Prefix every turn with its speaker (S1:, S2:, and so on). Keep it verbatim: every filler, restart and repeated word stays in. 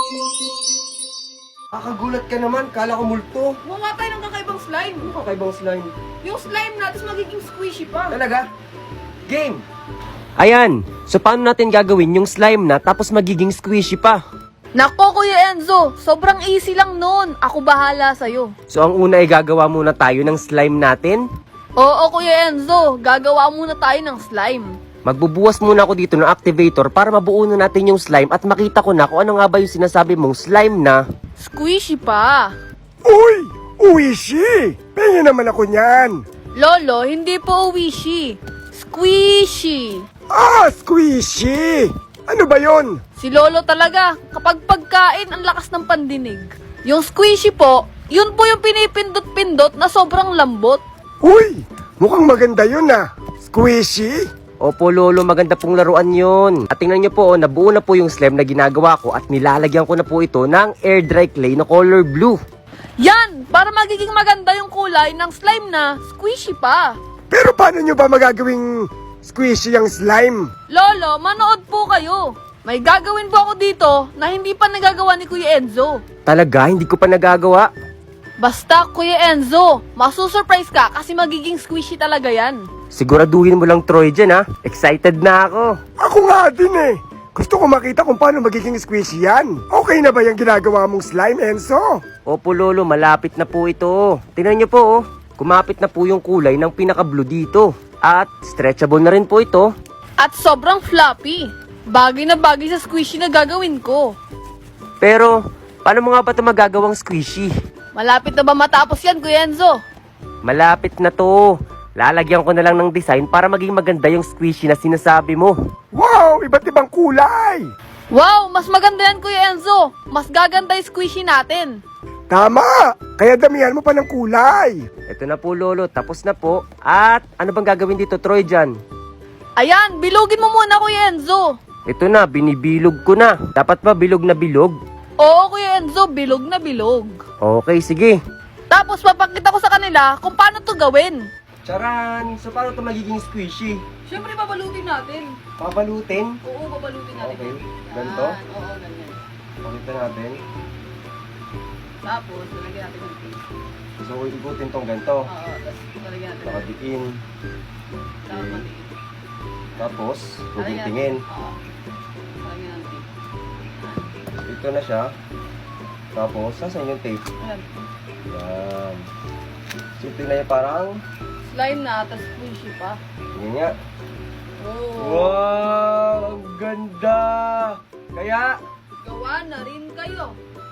S1: Kakagulat ka naman, kala ko multo.
S2: Gumawa tayo ng kakaibang slime.
S1: Ano kakaibang slime?
S2: Yung slime natin magiging squishy pa.
S1: Talaga? Game! Ayan, so paano natin gagawin yung slime na tapos magiging squishy pa?
S2: Nako, Kuya Enzo, sobrang easy lang nun. Ako bahala sa'yo.
S1: So ang una ay gagawa muna tayo ng slime natin.
S2: Oo, Kuya Enzo, gagawa muna tayo ng slime.
S1: Magbubuwas muna ako dito ng activator para mabuo na natin yung slime at makita ko na kung ano nga ba yung sinasabi mong slime na
S2: Squishy pa.
S3: Uy! Uwishi! Pengen naman ako niyan!
S2: Lolo, hindi po wishy. Squishy.
S3: Ah! Squishy! Ano ba yon?
S2: Si Lolo talaga, kapag pagkain, ang lakas ng pandinig. Yung squishy po, yun po yung pinipindot-pindot na sobrang lambot.
S3: Uy! Mukhang maganda yun ah! Squishy?
S1: Opo lolo, maganda pong laruan yun. At tingnan nyo po, oh, nabuo na po yung slime na ginagawa ko at nilalagyan ko na po ito ng air dry clay na color blue.
S2: Yan! Para magiging maganda yung kulay ng slime na squishy pa.
S3: Pero paano nyo ba magagawing squishy ang slime?
S2: Lolo, manood po kayo. May gagawin po ako dito na hindi pa nagagawa ni Kuya Enzo.
S1: Talaga, hindi ko pa nagagawa.
S2: Basta, Kuya Enzo, masusurprise ka kasi magiging squishy talaga yan.
S1: Siguraduhin mo lang Troy dyan ha. Excited na ako.
S3: Ako nga din eh! Gusto ko makita kung paano magiging squishy yan. Okay na ba yung ginagawa mong slime, Enzo?
S1: Opo lolo, malapit na po ito. Tingnan nyo po oh. Kumapit na po yung kulay ng pinaka-blue dito. At stretchable na rin po ito.
S2: At sobrang floppy. Bagay na bagay sa squishy na gagawin ko.
S1: Pero, paano mo nga ba ito magagawang squishy?
S2: Malapit na ba matapos yan, Kuya Enzo?
S1: Malapit na to. Lalagyan ko na lang ng design para maging maganda yung squishy na sinasabi mo.
S3: Wow! Iba't ibang kulay!
S2: Wow, mas maganda yan, Kuya Enzo. Mas gaganda yung squishy natin.
S3: Tama! Kaya damihan mo pa ng kulay!
S1: Ito na po lolo, tapos na po. At ano bang gagawin dito Troy dyan?
S2: Ayan, bilugin mo muna, Kuya Enzo.
S1: Ito na, binibilog ko na. Dapat ba bilog na bilog?
S2: Oo, Kuya Enzo, bilog na bilog.
S1: Okay, sige.
S2: Tapos papakita ko sa kanila kung paano to gawin.
S1: Charan! So paano ito magiging squishy?
S2: Siyempre, babalutin natin.
S1: Pabalutin?
S2: Oo, babalutin natin.
S1: Okay.
S2: yan.
S1: Ganito?
S2: Yan, oo, ganyan.
S1: Pakita natin.
S2: Tapos, lalagyan natin ng paste.
S1: So ikutin tong ganito.
S2: Oo, tapos lalagyan natin.
S1: Nakadiin.
S2: Tapos matikin.
S1: Tapos,
S2: Lalagyan
S1: tuguntingin.
S2: natin. Oo. Lalagyan ng tape.
S1: Ito na siya. Tapos, saan yung tape?
S2: Ayan.
S1: Yan. So tingnan niya parang,
S2: Slime na, tapos squishy pa.
S1: tingnan niya.
S2: Oo.
S1: Wow! Ang ganda! Kaya,
S2: Gawa na rin kayo.